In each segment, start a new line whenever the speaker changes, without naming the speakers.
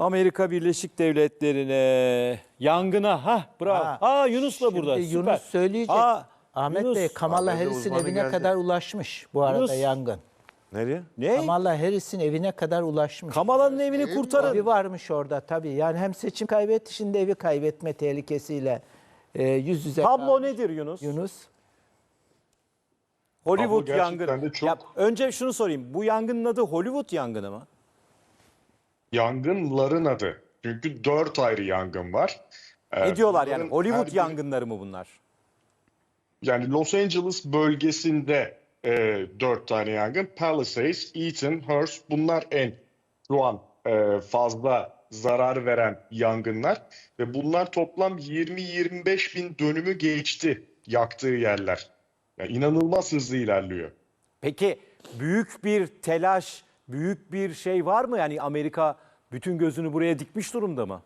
Amerika Birleşik Devletleri'ne yangına bravo. Yunus da burada.
Şimdi
Süper.
Yunus söyleyecek. Ahmet
Yunus.
Bey, Kamala
Ahmet Bey
Harris'in
uzmanı
evine
geldi.
kadar ulaşmış bu arada
Yunus.
yangın.
Nereye?
Ne?
Kamala Harris'in evine kadar ulaşmış.
Kamala'nın evini kurtarın.
Evi varmış orada tabii. Yani hem seçim kaybetti, şimdi evi kaybetme tehlikesiyle yüz yüze
Tablo
kalmış
nedir Yunus?
Yunus.
Hollywood
Tablo gerçekten
yangını.
de çok-
Ya, önce şunu sorayım. Bu yangının adı Hollywood yangını mı?
Yangınların adı. Çünkü 4 ayrı yangın var.
Ne diyorlar yani?
Bunların
Hollywood
her biri-
yangınları mı bunlar?
Yani Los Angeles bölgesinde 4 tane yangın. Palisades, Eaton, Hearst bunlar şu an fazla zarar veren yangınlar. Ve bunlar toplam 20-25 bin dönümü geçti yaktığı yerler. Yani inanılmaz hızlı ilerliyor.
Peki büyük bir telaş, büyük bir şey var mı? Yani Amerika bütün gözünü buraya dikmiş durumda mı?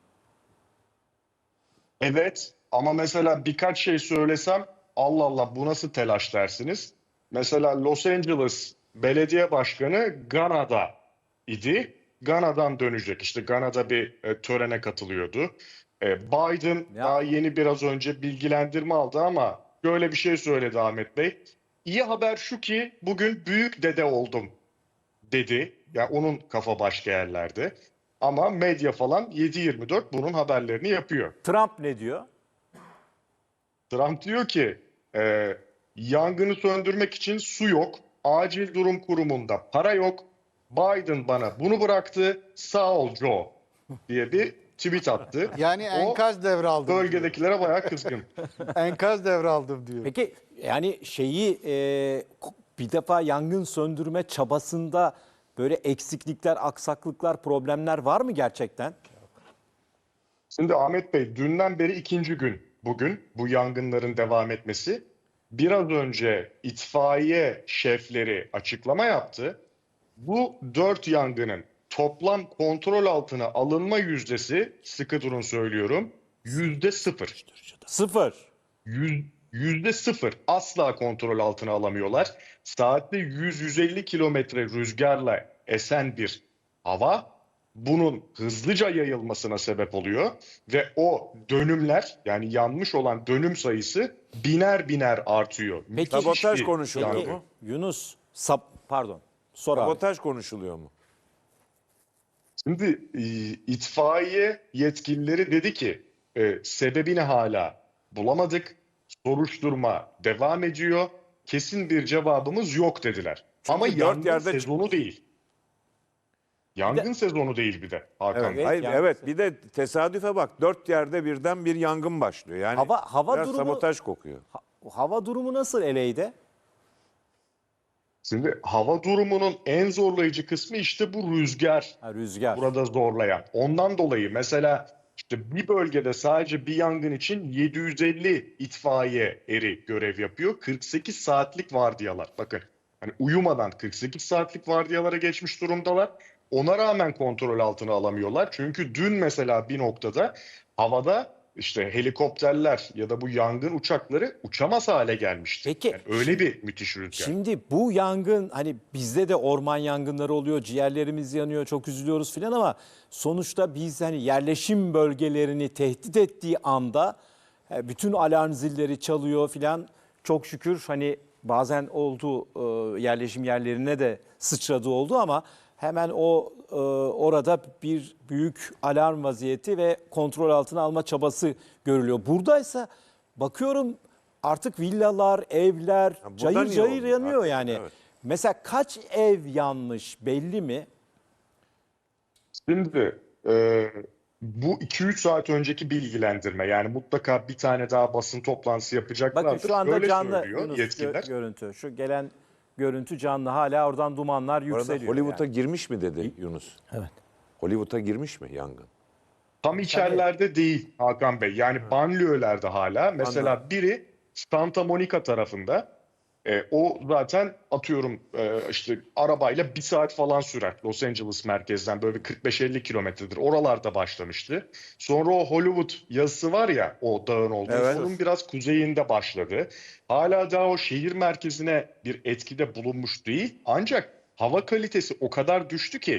Evet ama mesela birkaç şey söylesem Allah Allah bu nasıl telaş dersiniz. Mesela Los Angeles Belediye Başkanı Gana'da idi. Gana'dan dönecek. İşte Gana'da bir törene katılıyordu. Biden daha yeni biraz önce bilgilendirme aldı ama şöyle bir şey söyledi Ahmet Bey. İyi haber şu ki bugün büyük dede oldum dedi. Yani onun kafa başka yerlerde. Ama medya falan 7/24 bunun haberlerini yapıyor.
Trump ne diyor?
Trump diyor ki yangını söndürmek için su yok. Acil durum kurumunda para yok. Biden bana bunu bıraktı. Sağ ol Joe diye bir tweet attı.
Yani
O
enkaz devraldım.
bölgedekilere bayağı kızgın.
Enkaz devraldım diyor.
Peki yani bir defa yangın söndürme çabasında böyle eksiklikler, aksaklıklar, problemler var mı gerçekten?
Şimdi Ahmet Bey dünden beri ikinci gün bugün bu yangınların devam etmesi. Biraz önce itfaiye şefleri açıklama yaptı. Bu 4 yangının toplam kontrol altına alınma yüzdesi, sıkı durun söylüyorum, %0.
Sıfır.
%0 asla kontrol altına alamıyorlar. Saatte 100-150 kilometre rüzgarla esen bir hava bunun hızlıca yayılmasına sebep oluyor ve o dönümler yani yanmış olan dönüm sayısı biner biner artıyor.
Peki,
Sabotaj
bir
konuşuluyor
yangın.
mu?
Yunus, pardon. Sor abi.
Sabotaj konuşuluyor mu?
Şimdi itfaiye yetkilileri dedi ki sebebini hala bulamadık. Soruşturma devam ediyor. Kesin bir cevabımız yok dediler. Ama
dört
yangın
yerde
sezonu değil. Yangın sezonu değil bir de Hakan
Evet,
Bey.
hayır,
yangın
evet bir de tesadüfe bak 4 yerde birden bir yangın başlıyor. Yani
Hava
biraz
durumu-
sabotaj kokuyor.
Hava durumu nasıl LA'de?
Şimdi hava durumunun en zorlayıcı kısmı işte bu rüzgar.
Rüzgar.
Burada zorlayan. Ondan dolayı mesela işte bir bölgede sadece bir yangın için 750 itfaiye eri görev yapıyor. 48 saatlik vardiyalar. Bakın hani uyumadan 48 saatlik vardiyalara geçmiş durumdalar. Ona rağmen kontrol altına alamıyorlar. Çünkü dün mesela bir noktada havada işte helikopterler ya da bu yangın uçakları uçamaz hale gelmişti.
Peki,
Yani öyle bir müthiş rüzgar.
Şimdi bu yangın hani bizde de orman yangınları oluyor, ciğerlerimiz yanıyor, çok üzülüyoruz filan ama sonuçta biz hani yerleşim bölgelerini tehdit ettiği anda bütün alarm zilleri çalıyor filan. Çok şükür hani bazen oldu yerleşim yerlerine de sıçradığı oldu ama hemen orada bir büyük alarm vaziyeti ve kontrol altına alma çabası görülüyor. Buradaysa bakıyorum artık villalar, evler
buradan
cayır
iyi
cayır
oldu
yanıyor
artık,
yani.
evet.
Mesela kaç ev yanmış belli mi?
Şimdi bu 2-3 saat önceki bilgilendirme yani mutlaka bir tane daha basın toplantısı yapacaklardır.
Bakın şu anda
Şöyle
canlı
söylüyor
Yunus
yetkililer.
görüntü. Şu gelen görüntü canlı, hala oradan dumanlar
Bu arada
yükseliyor.
Hollywood'a
yani.
girmiş mi dedi Yunus?
Evet.
Hollywood'a girmiş mi yangın?
Tam içerilerde değil Hakan Bey. Yani banliyölerde hala. Mesela
Anladım.
biri Santa Monica tarafında. O zaten atıyorum işte arabayla bir saat falan sürer. Los Angeles merkezden böyle bir 45-50 kilometredir. Oralarda başlamıştı. Sonra o Hollywood yazısı var ya o dağın olduğu.
Evet.
Onun biraz kuzeyinde başladı. Hala daha o şehir merkezine bir etkide bulunmuş değil. Ancak hava kalitesi o kadar düştü ki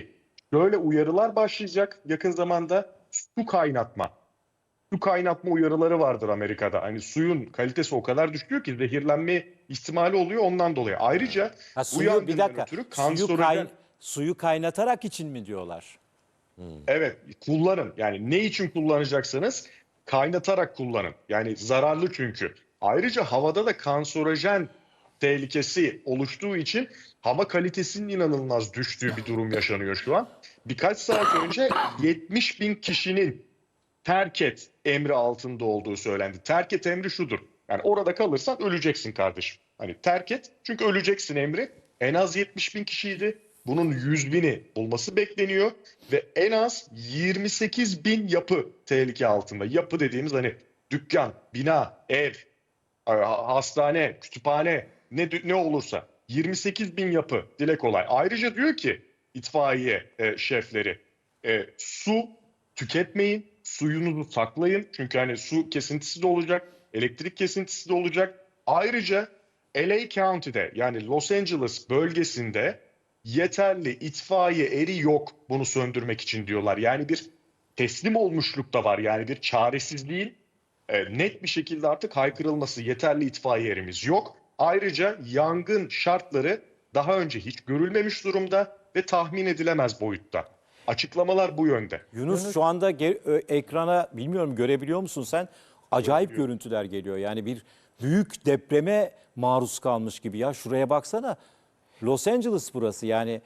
Böyle uyarılar başlayacak yakın zamanda. Su kaynatma. Su kaynatma uyarıları vardır Amerika'da. Hani suyun kalitesi o kadar düşüyor ki zehirlenme ihtimali oluyor ondan dolayı. Ayrıca
Ha,
bu
suyu bir
yangından
dakika.
ötürü kanserojen...
Suyu kaynatarak için mi diyorlar?
Evet, kullanın. Yani ne için kullanacaksanız kaynatarak kullanın. Yani zararlı çünkü. Ayrıca havada da kanserojen tehlikesi oluştuğu için hava kalitesinin inanılmaz düştüğü bir durum yaşanıyor şu an. Birkaç saat önce 70 bin kişinin terk et emri altında olduğu söylendi. Terk et emri şudur. Yani orada kalırsan öleceksin kardeşim. Hani terk et çünkü öleceksin emri. En az 70 bin kişiydi. Bunun 100 bini bulması bekleniyor. Ve en az 28 bin yapı tehlike altında. Yapı dediğimiz hani dükkan, bina, ev, hastane, kütüphane ne olursa 28 bin yapı dile kolay. Ayrıca diyor ki itfaiye şefleri su tüketmeyin, suyunuzu saklayın. Çünkü hani su kesintisi de olacak, elektrik kesintisi de olacak. Ayrıca LA County'de yani Los Angeles bölgesinde yeterli itfaiye eri yok bunu söndürmek için diyorlar. Yani bir teslim olmuşluk da var yani bir çaresizliğin net bir şekilde artık haykırılması yeterli itfaiye erimiz yok. Ayrıca yangın şartları daha önce hiç görülmemiş durumda ve tahmin edilemez boyutta. Açıklamalar bu yönde.
Yunus şu anda ekrana bilmiyorum görebiliyor musun sen? Acayip görüntüler geliyor. Yani bir büyük depreme maruz kalmış gibi ya. Şuraya baksana. Los Angeles burası yani.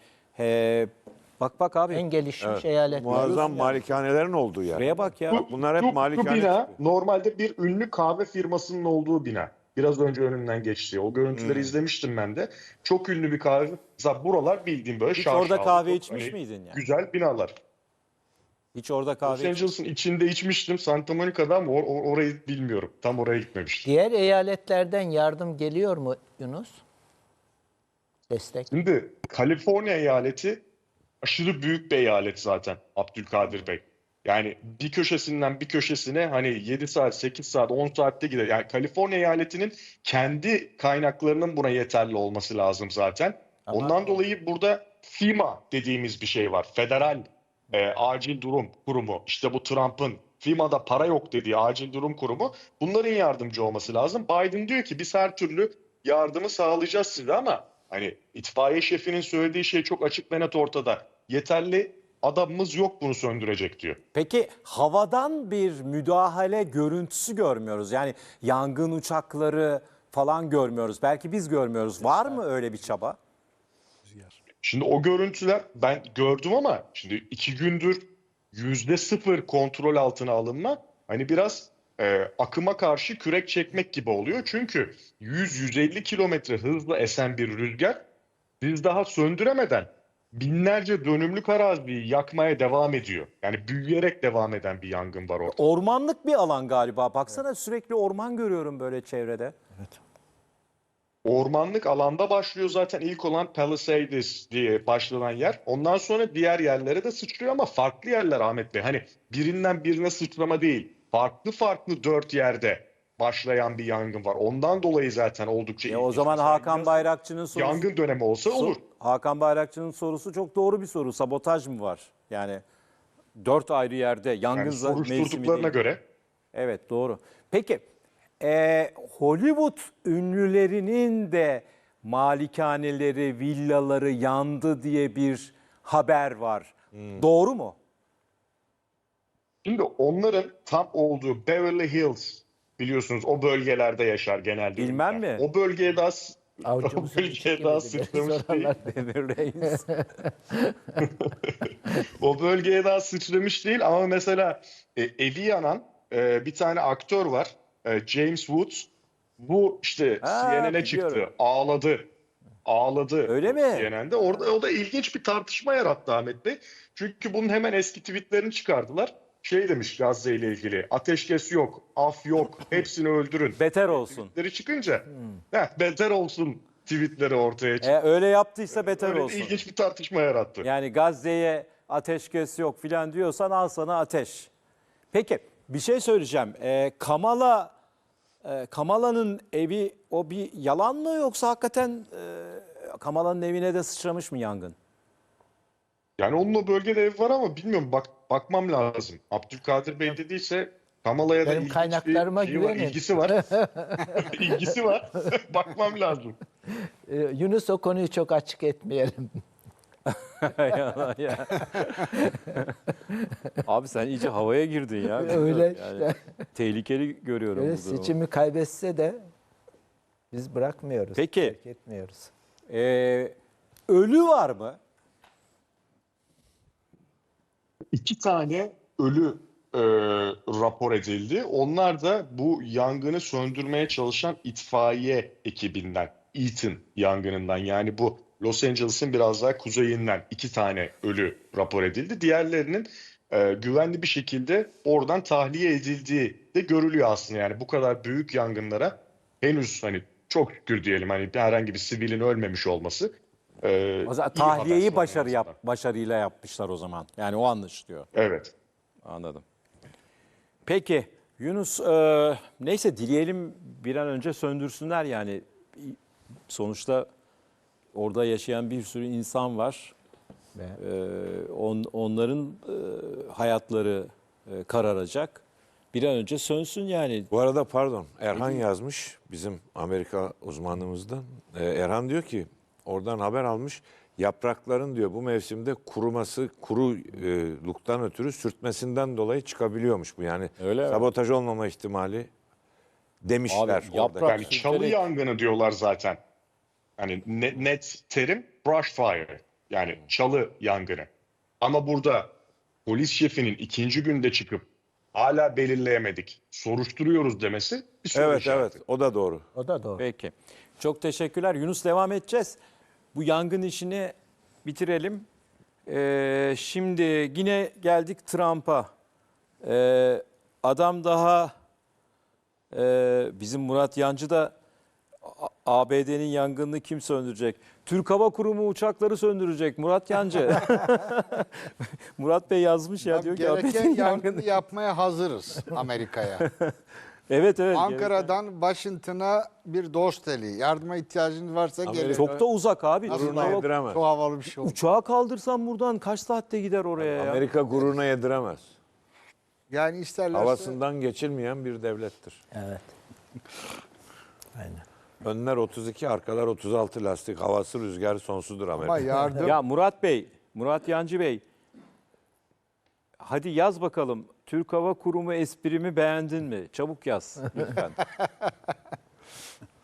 Bak abi.
En gelişmiş eyalet.
Muazzam malikanelerin olduğu yer.
Şuraya bak ya.
Bunlar hep
Bu
malikane
bina
tipi.
normalde bir ünlü kahve firmasının olduğu bina. Biraz önce önümden geçti. O görüntüleri izlemiştim ben de. Çok ünlü bir kahve. Mesela buralar bildiğim böyle
Hiç
şaşalı.
orada kahve
çok
içmiş miydin yani?
Güzel binalar.
Hiç orada
Los
kahve
Angeles'ın içinde içmiştim. Santa Monica'da ama orayı bilmiyorum. Tam oraya gitmemiştim.
Diğer eyaletlerden yardım geliyor mu Yunus? Destek.
Şimdi Kaliforniya eyaleti aşırı büyük bir eyalet zaten Abdülkadir Bey. Yani bir köşesinden bir köşesine hani 7 saat, 8 saat, 10 saatte gider. Yani Kaliforniya eyaletinin kendi kaynaklarının buna yeterli olması lazım zaten. Ondan dolayı burada FEMA dediğimiz bir şey var. Federal Acil Durum Kurumu. İşte bu Trump'ın FEMA'da para yok dediği Acil Durum Kurumu. Bunların yardımcı olması lazım. Biden diyor ki biz her türlü yardımı sağlayacağız size ama hani itfaiye şefinin söylediği şey çok açık ve net ortada. Yeterli adamımız yok bunu söndürecek diyor.
Peki havadan bir müdahale görüntüsü görmüyoruz. Yani yangın uçakları falan görmüyoruz. Belki biz görmüyoruz. Var mı öyle bir çaba?
Şimdi o görüntüler ben gördüm ama şimdi 2 gündür %0 kontrol altına alınma hani biraz akıma karşı kürek çekmek gibi oluyor. Çünkü 100-150 kilometre hızla esen bir rüzgar siz daha söndüremeden binlerce dönümlük araziyi yakmaya devam ediyor. Yani büyüyerek devam eden bir yangın var orada.
Ormanlık bir alan galiba. Baksana sürekli orman görüyorum böyle çevrede.
Ormanlık alanda başlıyor zaten ilk olan Palisades diye başlanan yer. Ondan sonra diğer yerlere de sıçrıyor ama farklı yerler Ahmet Bey. Hani birinden birine sıçrama değil. Farklı farklı 4 yerde başlayan bir yangın var. Ondan dolayı zaten oldukça ilginç.
O zaman
Mesela
Hakan Bayrakçı'nın sorusu...
yangın dönemi olsa olur.
Hakan Bayrakçı'nın sorusu çok doğru bir soru. Sabotaj mı var? Yani 4 ayrı yerde yangın
Yani
mevsimi
soruşturduklarına
değil.
göre.
Evet doğru. Peki Hollywood ünlülerinin de malikaneleri, villaları yandı diye bir haber var. Doğru mu?
Şimdi onların tam olduğu Beverly Hills biliyorsunuz o bölgelerde yaşar genelde.
Bilmem
ünlüler.
mi?
O bölgeye daha
Avucumuzu
sıçramış değil.
Demir Reis.
O bölgeye daha sıçramış değil ama mesela evi yanan bir tane aktör var. James Woods. Bu işte CNN'e çıktı.
biliyorum.
Ağladı.
Öyle mi?
CNN'de. Orada o da ilginç bir tartışma yarattı Ahmet Bey. Çünkü bunun hemen eski tweetlerini çıkardılar. Şey demiş Gazze ile ilgili. Ateşkes yok, af yok. Hepsini öldürün.
Beter olsun.
Tweetleri çıkınca beter olsun tweetleri ortaya çıktı.
Öyle yaptıysa beter
Öyle
olsun.
ilginç bir tartışma yarattı.
Yani Gazze'ye ateşkes yok filan diyorsan al sana ateş. Peki bir şey söyleyeceğim. Kamala'nın evi o bir yalan mı yoksa hakikaten Kamala'nın evine de sıçramış mı yangın?
Yani onun o bölgede ev var ama bilmiyorum, bakmam lazım. Abdülkadir Bey dediyse Kamala'ya da
Benim
ilginç
kaynaklarıma
bir şey var,
güvenin.
ilgisi var. İlgisi var. Bakmam lazım.
Yunus, o konuyu çok açık etmeyelim.
Ya. Abi sen iyice havaya girdin ya.
Öyle
Yani
işte.
tehlikeli görüyorum
Öyle
bu durumu.
seçimi kaybetse de biz bırakmıyoruz.
Peki.
Terk etmiyoruz.
Ölü var mı?
2 tane ölü rapor edildi. Onlar da bu yangını söndürmeye çalışan itfaiye ekibinden, Eaton yangınından, yani bu Los Angeles'ın biraz daha kuzeyinden 2 tane ölü rapor edildi. Diğerlerinin güvenli bir şekilde oradan tahliye edildiği de görülüyor aslında. Yani bu kadar büyük yangınlara henüz hani çok şükür diyelim, hani herhangi bir sivilin ölmemiş olması.
O zaman
iyi haber
tahliyeyi
en azından.
başarıyla yapmışlar o zaman. Yani o anlaşılıyor.
Evet.
Anladım. Peki Yunus, neyse dileyelim bir an önce söndürsünler yani. Sonuçta orada yaşayan bir sürü insan var. Onların hayatları kararacak. Bir an önce sönsün yani.
Bu arada pardon, Erhan yazmış, bizim Amerika uzmanımızdan. Erhan diyor ki oradan haber almış, yaprakların diyor bu mevsimde kuruması, kuruluktan ötürü sürtmesinden dolayı çıkabiliyormuş bu. Yani
Öyle mi?
sabotaj olmama ihtimali demişler
Abi,
orada.
yaprak-
Yani çalı yangını diyorlar zaten. Hani net terim brush fire. Yani çalı yangını. Ama burada polis şefinin 2. günde çıkıp hala belirleyemedik, soruşturuyoruz demesi bir soru
Evet
işareti.
evet, o da doğru.
O da doğru.
Peki. Çok teşekkürler. Yunus, devam edeceğiz. Bu yangın işini bitirelim. Şimdi yine geldik Trump'a. Adam daha bizim Murat Yancı da ABD'nin yangınını kim söndürecek? Türk Hava Kurumu uçakları söndürecek Murat Yancı. Murat Bey yazmış ya, diyor ki
Gereken
ABD'nin
yardımı
yangını.
yapmaya hazırız Amerika'ya.
Evet.
Ankara'dan Washington'a bir dost eli. Yardıma ihtiyacınız varsa gelin.
Çok da uzak abi.
Nasıl
Türk
da-
Hava-
Yediremez.
Çok havalı bir şey oldu.
Uçağı kaldırsan buradan kaç saatte gider oraya ya?
Amerika gururuna yediremez.
Yani isterlerse
Havasından geçilmeyen bir devlettir.
Evet. Aynen.
Önler 32, arkalar 36 lastik. Havası, rüzgarı sonsuzdur Amerika.
ama yardım
Ya Murat Yancı Bey, hadi yaz bakalım. Türk Hava Kurumu esprimi beğendin mi? Çabuk yaz lütfen.